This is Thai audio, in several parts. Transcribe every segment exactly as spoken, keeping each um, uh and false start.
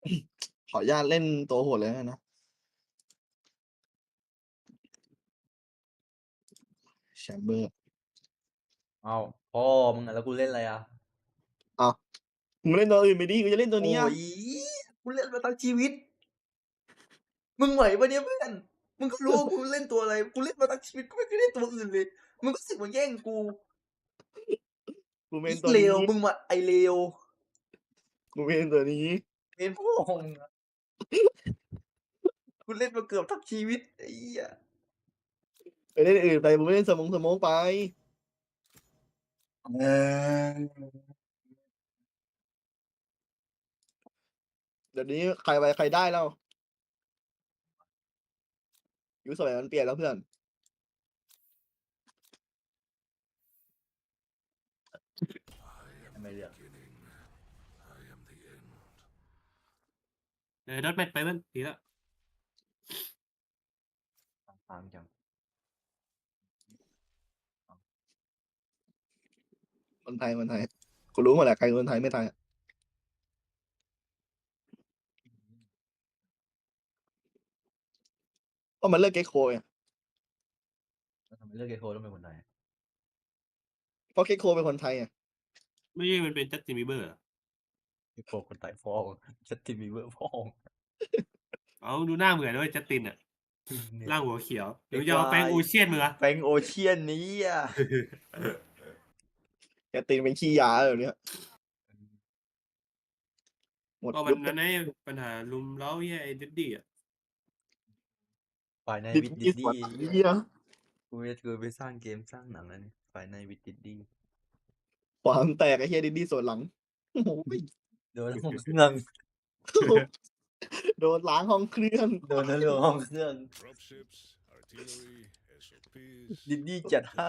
ขออนุญาตเล่นตัวโหดเลยแล้วกันนะ แชมเบอร์อ้าวพ่อมึงอะแล้วกูเล่นอะไรอะอ้าว มึงเล่นตัวอื่นไปดิ กูจะเล่นตัวโอ้นี้อะย กูเล่นมาทั้งชีวิต มึงไหวเปล่าเนี่ยเพื่อน มึงก็รู้ว่ากูเล่นตัวอะไร กูเล่นมาทั้งชีวิต กูไม่เคยเล่นตัวอื่นเลย มึงก็รู้สึกมาแย่งกูกูเมไอ้นตัวเลวนี้มึงมา ไอ้เลวกูเมนตัวนี้เมนพ่อมึงอะ กูเล่นมาเกือบทั้งชีวิต ไอ้เหี้ยไปเล่นอื่นไป มึงไม่เล่นสมงสโมกไปเออเดี๋ยวนี้ใครไปใครได้แล้ว ยุคสมัยมันเปลี่ยนแล้วเพื่อนไม่เลือกเออ ดอทแมทไปเพื่อนดีแล้วค้างจังคนไทย คนไทย กูรู้หมดแหละ ใครคนไทยไม่ไทยอะ ก็มันเลือก Gekko ไงแล้วทำไมเลือก Gekko ต้องเป็นคนไทย? เพราะ Gekko เป็นคนไทยไงไม่ใช่มันเป็น Justin Bieber เหรอ? Gekko คนไทยพ่อมึง Justin Bieber พ่อมึงอ้าว ดูหน้าเหมือนนะเว้ย Justin อะเนี่ยร่างหัวเขียว หไอรือมึงคจะเอาวา Frank ย Ocean มึงเหรอ? Frank Ocean ไอ้เหี้ย Justin เป็นขี้ยาเดี๋ยวเนี้ย หมดก็มัยุนคนั้นไง ปัญหารุมเร้าไอ้เหี้ย ไอ้ Diddy อะ Fight Night with Diddy สวน Diddy ไอ้ไอ้เหี้เหี้ยยกูจะ กูไปสร้างเกมสร้างหนังแล้วเนี่ย Fight Night with Diddy ความแตกไอ้เหี้ย Diddy สวนหลัง โอ้โฮโดนห้องเครื่องโดนล้างห้องเครื่องโดนทะลวงห้องเครื่อง Diddy จัดให้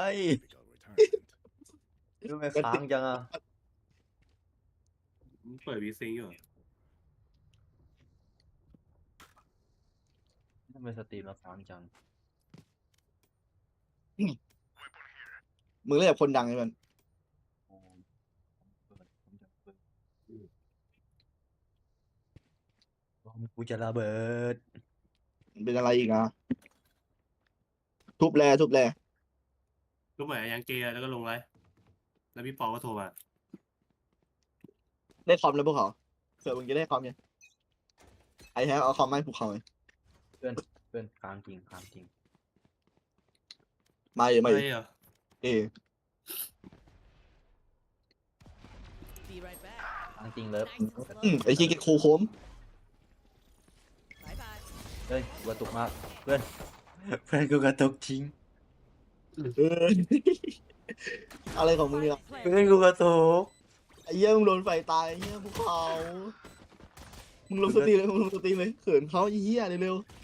ทำไมค้างจังอะ? มึงเปิด V-Sync อยู่เหรอ? ทำไมสตรีมเราค้างจัง? อืม มึงเล่นกับคนดังไงเพื่อนอ๋อ เปิด ผมจะเปิด อืม บอมกูจะระเบิดมันเป็นอะไรอีกอะ? ทุบแล ทุบแลทุบเหมือน Yang J อะ แล้วก็ลงไลฟ์ แล้วพี่ปอก็โทรมาได้คอมแล้วพวกเขา เผื่อมึงจะได้คอมไง I have เอาคอมมาให้พวกเขาไงเพื่อน เพื่อนค้างจริง ค้างจริงมาดิไปมาดิเหรอ? เอ Be right back. ค้างจริงเลิฟอืม ไอ้เหี้ย Gekko โค้ม Bye bye. เฮ้ย กูกระตุกมาก เพื่อน เพื่อนกูกระตุกจริงเออ อะไรของมึงเนี่ย? เพื่อนกูกระตุกไอ้เหี้ย มึงโดนไฟตาย ไอ้เหี้ย ภูเขา มึงลงสตรีมเลย มึงลงสตรีมเลย เขินเขาไอ้เหี้ย เร็วๆ